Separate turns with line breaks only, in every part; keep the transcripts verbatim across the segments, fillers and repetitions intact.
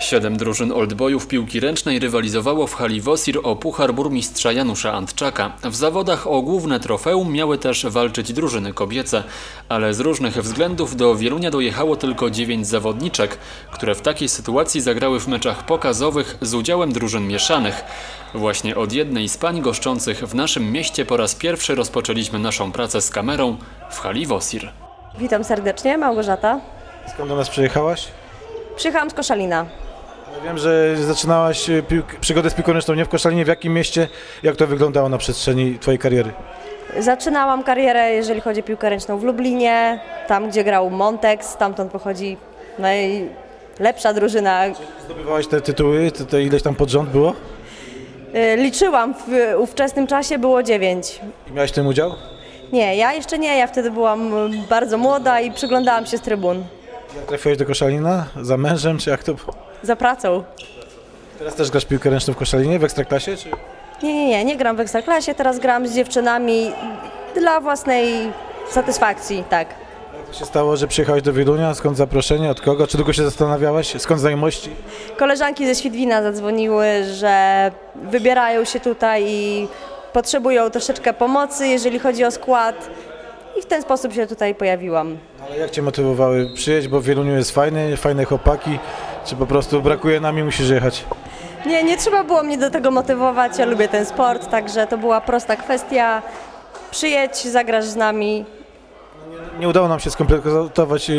Siedem drużyn oldboyów piłki ręcznej rywalizowało w hali Wosir o puchar burmistrza Janusza Antczaka. W zawodach o główne trofeum miały też walczyć drużyny kobiece, ale z różnych względów do Wielunia dojechało tylko dziewięć zawodniczek, które w takiej sytuacji zagrały w meczach pokazowych z udziałem drużyn mieszanych. Właśnie od jednej z pań goszczących w naszym mieście po raz pierwszy rozpoczęliśmy naszą pracę z kamerą w hali Wosir.
Witam serdecznie, Małgorzata.
Skąd do nas przyjechałaś?
Przyjechałam z Koszalina.
Ja wiem, że zaczynałaś przygodę z piłką ręczną nie w Koszalinie. W jakim mieście? Jak to wyglądało na przestrzeni twojej kariery?
Zaczynałam karierę, jeżeli chodzi o piłkę ręczną, w Lublinie, tam gdzie grał Montex, stamtąd pochodzi najlepsza drużyna.
Zdobywałaś te tytuły, te, te ileś tam pod rząd było?
Liczyłam, w ówczesnym czasie było dziewięć.
I miałaś w tym udział?
Nie, ja jeszcze nie, ja wtedy byłam bardzo młoda i przyglądałam się z trybun.
Jak trafiłaś do Koszalina? Za mężem, czy jak to było?
Za pracą.
Teraz też grasz piłkę ręczną w Koszalinie, w Ekstraklasie? Czy...
Nie, nie, nie, nie gram w Ekstraklasie, teraz gram z dziewczynami dla własnej satysfakcji, tak.
Jak to się stało, że przyjechałeś do Wielunia? Skąd zaproszenie? Od kogo? Czy długo się zastanawiałaś? Skąd znajomości?
Koleżanki ze Świdwina zadzwoniły, że wybierają się tutaj i potrzebują troszeczkę pomocy, jeżeli chodzi o skład. I w ten sposób się tutaj pojawiłam.
Ale jak Cię motywowały przyjeść, bo w Wieluniu jest fajny, fajne chłopaki, czy po prostu brakuje nam i musisz jechać?
Nie, nie trzeba było mnie do tego motywować, ja lubię ten sport, także to była prosta kwestia. Przyjedź, zagrasz z nami.
Nie, nie udało nam się skompletować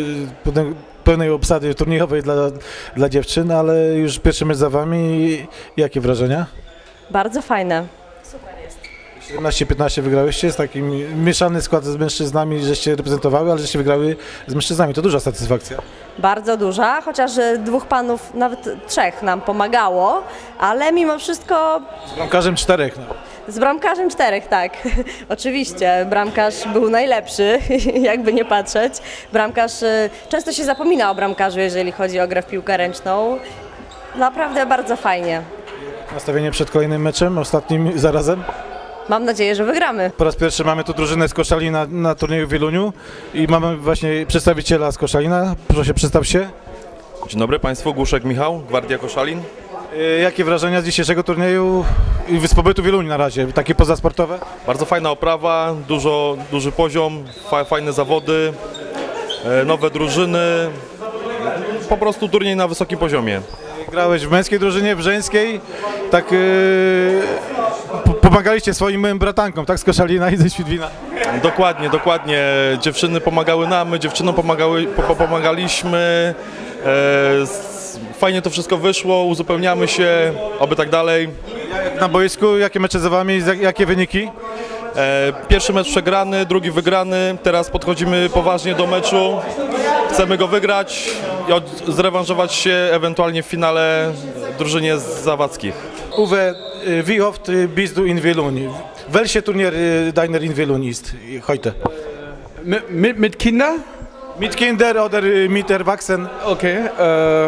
pełnej obsady turniejowej dla, dla dziewczyn, ale już pierwszy mecz za Wami. Jakie wrażenia?
Bardzo fajne.
siedemnaście piętnaście wygrałyście, z takim mieszany skład z mężczyznami, żeście reprezentowały, ale żeście wygrały z mężczyznami. To duża satysfakcja.
Bardzo duża, chociaż dwóch panów, nawet trzech nam pomagało, ale mimo wszystko...
Z bramkarzem czterech. No.
Z bramkarzem czterech, tak. Oczywiście, bramkarz był najlepszy, jakby nie patrzeć. Bramkarz, często się zapomina o bramkarzu, jeżeli chodzi o grę w piłkę ręczną. Naprawdę bardzo fajnie.
Nastawienie przed kolejnym meczem, ostatnim zarazem?
Mam nadzieję, że wygramy.
Po raz pierwszy mamy tu drużynę z Koszalina na turnieju w Wieluniu i mamy właśnie przedstawiciela z Koszalina. Proszę, przedstaw się.
Dzień dobry Państwu, Głuszek Michał, Gwardia Koszalin.
Jakie wrażenia z dzisiejszego turnieju i z pobytu w Wieluniu na razie, takie pozasportowe?
Bardzo fajna oprawa, dużo, duży poziom, fa, fajne zawody, nowe drużyny, po prostu turniej na wysokim poziomie.
Grałeś w męskiej drużynie, w żeńskiej, tak yy, pomagaliście swoim bratankom, tak, z Koszalina i ze Świdwina?
Dokładnie, dokładnie. Dziewczyny pomagały nam, my dziewczynom pomagały, po, pomagaliśmy. E, fajnie to wszystko wyszło, uzupełniamy się, oby tak dalej.
Na boisku, jakie mecze za Wami, jakie wyniki?
E, pierwszy mecz przegrany, drugi wygrany, teraz podchodzimy poważnie do meczu. Chcemy go wygrać i od, zrewanżować się ewentualnie w finale drużynie z Zawadzkich.
Uwe, wie oft bist du in Wielun? Welche Turnier deiner in Wielun ist heute?
Mit, mit, mit Kindern?
Mit Kinder oder mit Erwachsenen?
Okay. Äh,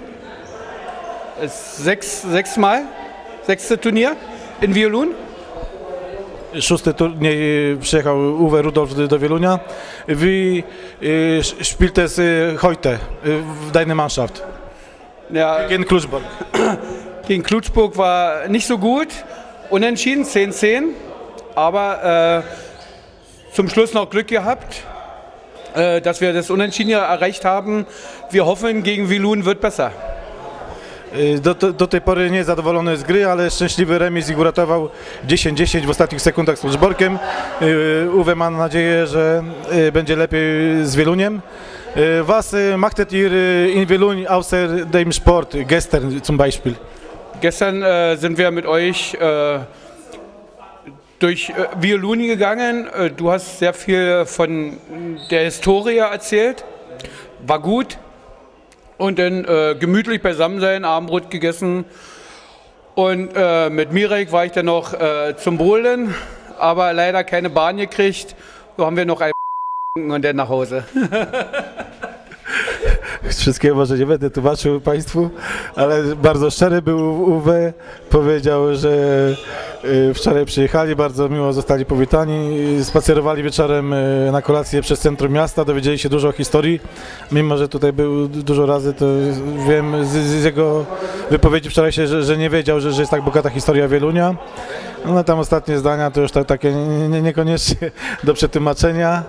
sechs, sechsmal? Sechste Turnier in Wielun?
Szósty turniej przyjechał Uwe Rudolf do Wielunia. Wie spielt es heute w deiner Mannschaft?
Ja,
gegen Kluczbork.
Gegen Kluczbork war nicht so gut. Unentschieden, zehn zehn. Aber äh, zum Schluss noch Glück gehabt, äh, dass wir das Unentschieden erreicht haben. Wir hoffen, gegen Wielun wird besser.
Do, do, do tej pory nie zadowolony z gry, ale szczęśliwy remis ich uratował dziesięć dziesięć w ostatnich sekundach z Kluczborkiem. Uwe ma nadzieję, że będzie lepiej z Wieluniem. Was machtet ihr in Wielun außer dem Sport, gestern zum Beispiel?
Gestern äh, sind wir mit euch äh, durch äh, Wielun gegangen. Äh, du hast sehr viel von der Historie erzählt. War gut. Und dann äh, gemütlich beisammen sein, Abendbrot gegessen. Und äh, mit Mirek war ich dann noch äh, zum Bowlen, aber leider keine Bahn gekriegt. So haben wir noch ein und dann nach Hause.
Wszystkiego może nie będę tłumaczył Państwu, ale bardzo szczery był Uwe. Powiedział, że wczoraj przyjechali, bardzo miło zostali powitani, spacerowali wieczorem na kolację przez centrum miasta, dowiedzieli się dużo o historii. Mimo że tutaj był dużo razy, to wiem z, z jego wypowiedzi wczorajszej, że, że nie wiedział, że, że jest tak bogata historia Wielunia. No tam ostatnie zdania to już tak, takie nie, nie, niekoniecznie do przetłumaczenia.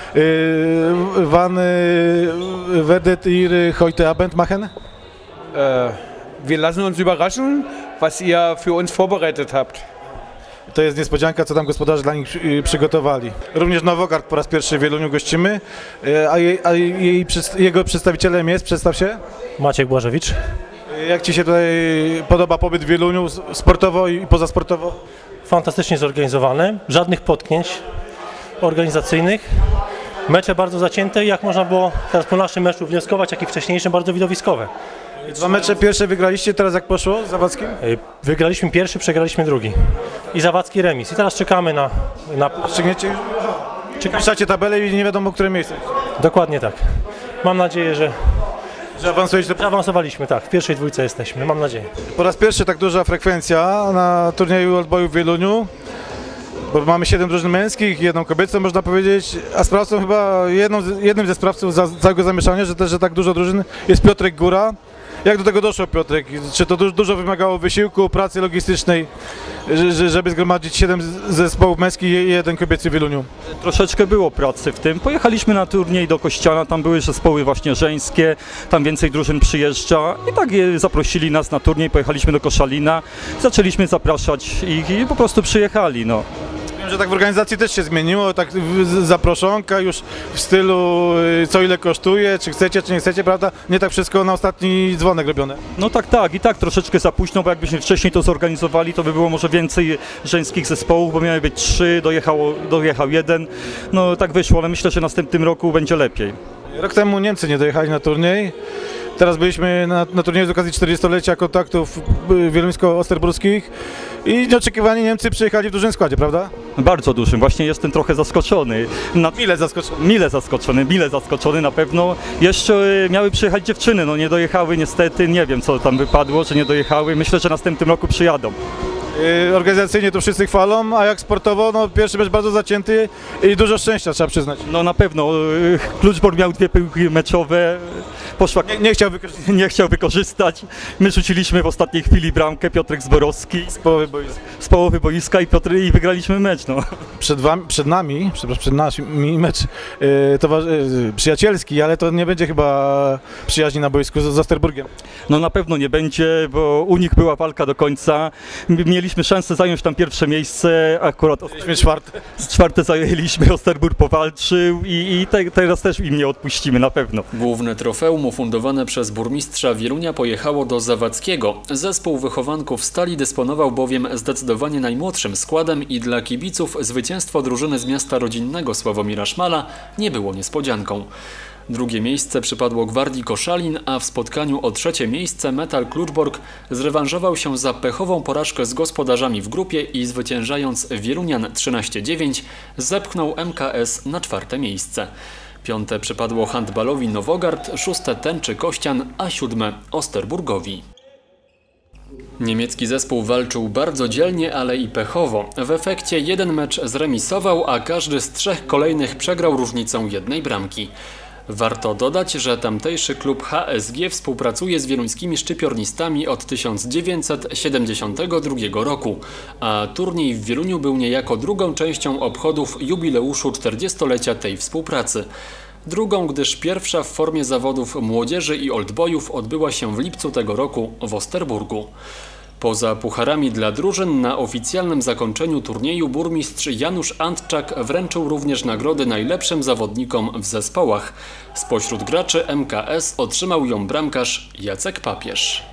Yy, wann yy, werdet ihr heute Abend machen?
Äh, wir lassen uns überraschen, was ihr für uns vorbereitet habt.
To jest niespodzianka, co tam gospodarze dla nich przy, przygotowali. Również Nowogard po raz pierwszy w Wieluniu gościmy, yy, a, jej, a jej, jego przedstawicielem jest, przedstaw się?
Maciek Błażewicz.
Jak Ci się tutaj podoba pobyt w Wieluniu, sportowo i pozasportowo?
Fantastycznie zorganizowany, żadnych potknięć organizacyjnych. Mecze bardzo zacięte, jak można było teraz po naszym meczu wnioskować, jak i wcześniejszym, bardzo widowiskowe.
Dwa mecze pierwsze wygraliście, teraz jak poszło z Zawadzkim?
Wygraliśmy pierwszy, przegraliśmy drugi. I Zawadzki remis. I teraz czekamy na... na...
Ściągniecie? Piszecie tabelę i nie wiadomo, które miejsce.
Dokładnie tak. Mam nadzieję, że...
Że awansujecie do...
Zaawansowaliśmy, tak. W pierwszej dwójce jesteśmy, mam nadzieję.
Po raz pierwszy tak duża frekwencja na turnieju Oldboyów w Wieluniu. Bo mamy siedem drużyn męskich, jedną kobiecą, można powiedzieć, a sprawcą chyba jedną, jednym ze sprawców za, całego zamieszania, że też, że tak dużo drużyn, jest Piotrek Góra. Jak do tego doszło, Piotrek? Czy to dużo, dużo wymagało wysiłku, pracy logistycznej, żeby zgromadzić siedem zespołów męskich i jeden kobiecy w Wieluniu?
Troszeczkę było pracy w tym. Pojechaliśmy na turniej do Kościana, tam były zespoły właśnie żeńskie, tam więcej drużyn przyjeżdża i tak zaprosili nas na turniej, pojechaliśmy do Koszalina, zaczęliśmy zapraszać ich i po prostu przyjechali. No.
Wiem, że tak w organizacji też się zmieniło, tak zaproszonka już w stylu co ile kosztuje, czy chcecie, czy nie chcecie, prawda? Nie tak wszystko na ostatni dzwonek robione.
No tak, tak i tak troszeczkę za późno, bo jakbyśmy wcześniej to zorganizowali, to by było może więcej żeńskich zespołów, bo miały być trzy, dojechało, dojechał jeden. No tak wyszło, ale myślę, że w następnym roku będzie lepiej.
Rok temu Niemcy nie dojechali na turniej. Teraz byliśmy na, na turnieju z okazji czterdziestolecia kontaktów wieluńsko-osterburskich i nieoczekiwanie Niemcy przyjechali w dużym składzie, prawda?
Bardzo dużym, właśnie jestem trochę zaskoczony. Na...
Mile zaskoczony.
Mile zaskoczony, mile zaskoczony na pewno. Jeszcze miały przyjechać dziewczyny, no nie dojechały niestety, nie wiem co tam wypadło, że nie dojechały. Myślę, że w następnym roku przyjadą.
Yy, organizacyjnie to wszyscy chwalą, a jak sportowo, no pierwszy mecz bardzo zacięty i dużo szczęścia, trzeba przyznać.
No na pewno, Kluczbork miał dwie piłki meczowe, poszła...
Nie, nie chciał wykorzystać.
Nie chciał wykorzystać. My rzuciliśmy w ostatniej chwili bramkę, Piotrek Zborowski.
Z połowy boiska.
Z połowy boiska i, Piotr, i wygraliśmy mecz, no.
Przed, wami, przed nami, przepraszam, przed nami mecz yy, towarzy, yy, przyjacielski, ale to nie będzie chyba przyjaźni na boisku z, z Osterburgiem.
No na pewno nie będzie, bo u nich była walka do końca. Mieliśmy szansę zająć tam pierwsze miejsce, akurat
Mieliśmy czwarte.
czwarte zajęliśmy, Osterburg powalczył i, i te, teraz też im nie odpuścimy na pewno.
Główne trofeum ufundowane przez burmistrza Wielunia pojechało do Zawadzkiego. Zespół wychowanków Stali dysponował bowiem zdecydowanie najmłodszym składem i dla kibiców zwycięstwo drużyny z miasta rodzinnego Sławomira Szmala nie było niespodzianką. Drugie miejsce przypadło Gwardii Koszalin, a w spotkaniu o trzecie miejsce Metal Kluczbork zrewanżował się za pechową porażkę z gospodarzami w grupie i zwyciężając Wielunian trzynaście dziewięć zepchnął M K S na czwarte miejsce. Piąte przypadło handbalowi Nowogard, szóste Tęczy Kościan, a siódme Osterburgowi. Niemiecki zespół walczył bardzo dzielnie, ale i pechowo. W efekcie jeden mecz zremisował, a każdy z trzech kolejnych przegrał różnicą jednej bramki. Warto dodać, że tamtejszy klub H S G współpracuje z wieluńskimi szczypiornistami od tysiąc dziewięćset siedemdziesiątego drugiego roku, a turniej w Wieluniu był niejako drugą częścią obchodów jubileuszu czterdziestolecia tej współpracy. Drugą, gdyż pierwsza w formie zawodów młodzieży i oldboyów odbyła się w lipcu tego roku w Osterburgu. Poza pucharami dla drużyn na oficjalnym zakończeniu turnieju burmistrz Janusz Antczak wręczył również nagrody najlepszym zawodnikom w zespołach. Spośród graczy M K S otrzymał ją bramkarz Jacek Papież.